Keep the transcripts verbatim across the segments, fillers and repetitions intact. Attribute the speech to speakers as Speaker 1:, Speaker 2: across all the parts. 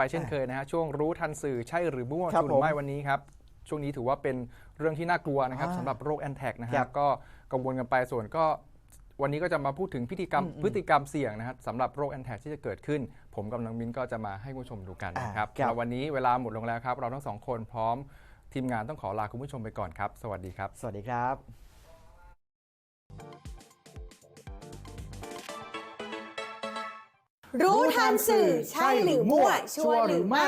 Speaker 1: ไปเช่นเคยนะฮะช่วงรู้ทันสื่อใช่หรือมั่วชัวร์หรือไม่วันนี้ครับช่วงนี้ถือว่าเป็นเรื่องที่น่ากลัวนะครับสำหรับโรคแอนแทกนะฮะก็กังวลกันไปส่วนก็วันนี้ก็จะมาพูดถึงพฤติกรรมพฤติกรรมเสี่ยงนะครับสำหรับโรคแอนแทกที่จะเกิดขึ้นผมกับน้องมิ้นก็จะมาให้ผู้ชมดูกันนะครับแล้ววันนี้เวลาหมดลงแล้วครับเราทั้งสองคนพร้อมทีมงานต้องขอลาคุณผู้ชมไปก่อนครับสวัสดีครับ
Speaker 2: สวัสดีครับ
Speaker 3: รู้ทันสื่อใช่หรือมั่วชัวร์หรือไม่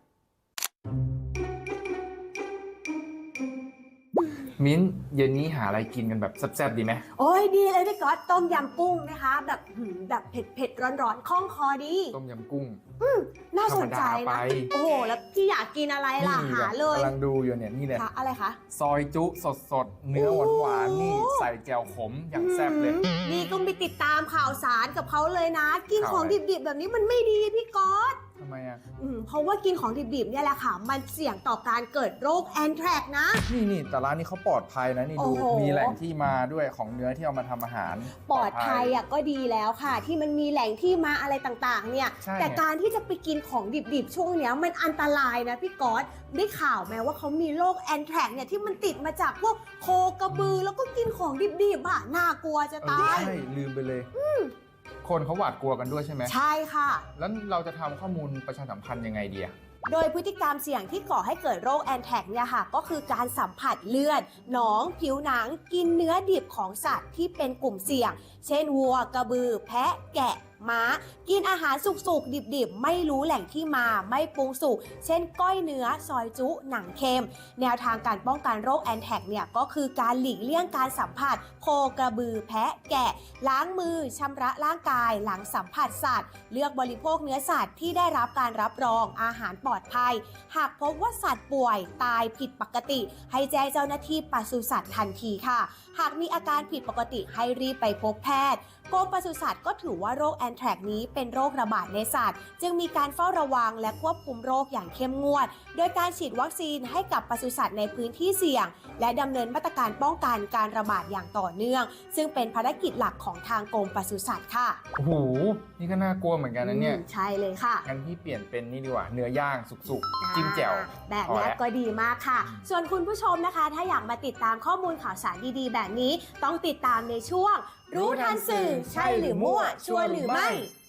Speaker 1: มิ้นเย็นนี้หาอะไรกินกันแบบแซ่บๆดีไหม
Speaker 3: โอ้ยดีเลยพี่ก๊อตต้มยำกุ้งนะคะแบบแบบเผ็ดเผ็ดร้อนร้อนคล่องคอดี
Speaker 1: ต้มยำกุ้ง
Speaker 3: อืมน่าสนใจนะโอ้โหแล้วพี่อยากกินอะไรล่ะหาเลย
Speaker 1: กำลังดูอยู่เนี่ยนี่เลย
Speaker 3: อะไรคะ
Speaker 1: ซอยจุสดๆเนื้อหวานๆนี่ใส่แจ่วขมอย่างแซ่บเลย
Speaker 3: นี่ก็ไปติดตามข่าวสารกับเขาเลยนะกินของดิบๆแบบนี้มันไม่ดีพี่ก๊อต
Speaker 1: ทำไมอ่ะ
Speaker 3: เพราะว่ากินของดิบๆเนี่ยแหละค่ะมันเสี่ยงต่อการเกิดโรคแอนแทรกนะ
Speaker 1: นี่นี่แต่ร้านนี้เขาปลอดภัยนะนี่ดูมีแหล่งที่มาด้วยของเนื้อที่เอามาทำอาหาร
Speaker 3: ปลอดภัยอ่ะก็ดีแล้วค่ะที่มันมีแหล่งที่มาอะไรต่างๆเนี่ยแต่การที่จะไปกินของดิบๆช่วงเนี้ยมันอันตรายนะพี่ก๊อตได้ข่าวไหมว่าเขามีโรคแอนแทรกเนี่ยที่มันติดมาจากพวกโคกระบือแล้วก็กินของดิบๆอ่ะน่ากลัวจะตาย
Speaker 1: ใช่ลืมไปเลยคนเขาหวาดกลัวกันด้วยใช่ไหม
Speaker 3: ใช่ค่ะ
Speaker 1: แล้วเราจะทำข้อมูลประชาสัมพันธ์ยังไงดีอะ
Speaker 3: โดยพฤติกรรมเสี่ยงที่ก่อให้เกิดโรคแอนแทกเนี่ยค่ะก็คือการสัมผัสเลือดหนองผิวหนังกินเนื้อดิบของสัตว์ที่เป็นกลุ่มเสี่ยงเช่นวัวกระบือแพะแกะม้ากินอาหารสุกๆดิบๆไม่รู้แหล่งที่มาไม่ปรุงสุกเช่นก้อยเนื้อซอยจุหนังเค็มแนวทางการป้องกันโรคแอนแทกเนี่ยก็คือการหลีกเลี่ยงการสัมผัสโคกระบือแพะแกะล้างมือชำระร่างกายหลังสัมผัสสัตว์เลือกบริโภคเนื้อสัตว์ที่ได้รับการรับรองอาหารปลอดภัยหากพบว่าสัตว์ป่วยตายผิดปกติให้แจ้งเจ้าหน้าที่ปศุสัตว์ทันทีค่ะหากมีอาการผิดปกติให้รีบไปพบแพทย์กรมปศุสัตว์ก็ถือว่าโรคแอนแทรกนี้เป็นโรคระบาดในสัตว์จึงมีการเฝ้าระวังและควบคุมโรคอย่างเข้มงวดโดยการฉีดวัคซีนให้กับปศุสัตว์ในพื้นที่เสี่ยงและดำเนินมาตรการป้องกันการระบาดอย่างต่อเนื่องซึ่งเป็นภารกิจหลักของทางกรมปศุสัตว์ค่ะ
Speaker 1: โอ้โหนี่ก็น่ากลัวเหมือนกันนะเนี่ย
Speaker 3: ใช่เลยค่ะ
Speaker 1: งั้นพี่เปลี่ยนเป็นนี่ดีกว่าเนื้อย่างสุกๆจิ้มแจ่ว
Speaker 3: แบบนี้ก็ดีมากค่ะส่วนคุณผู้ชมนะคะถ้าอยากมาติดตามข้อมูลข่าวสารดีๆแบบนี้ต้องติดตามในช่วงรู้ทันสื่อใช่หรือมั่วชัวร์หรือไม่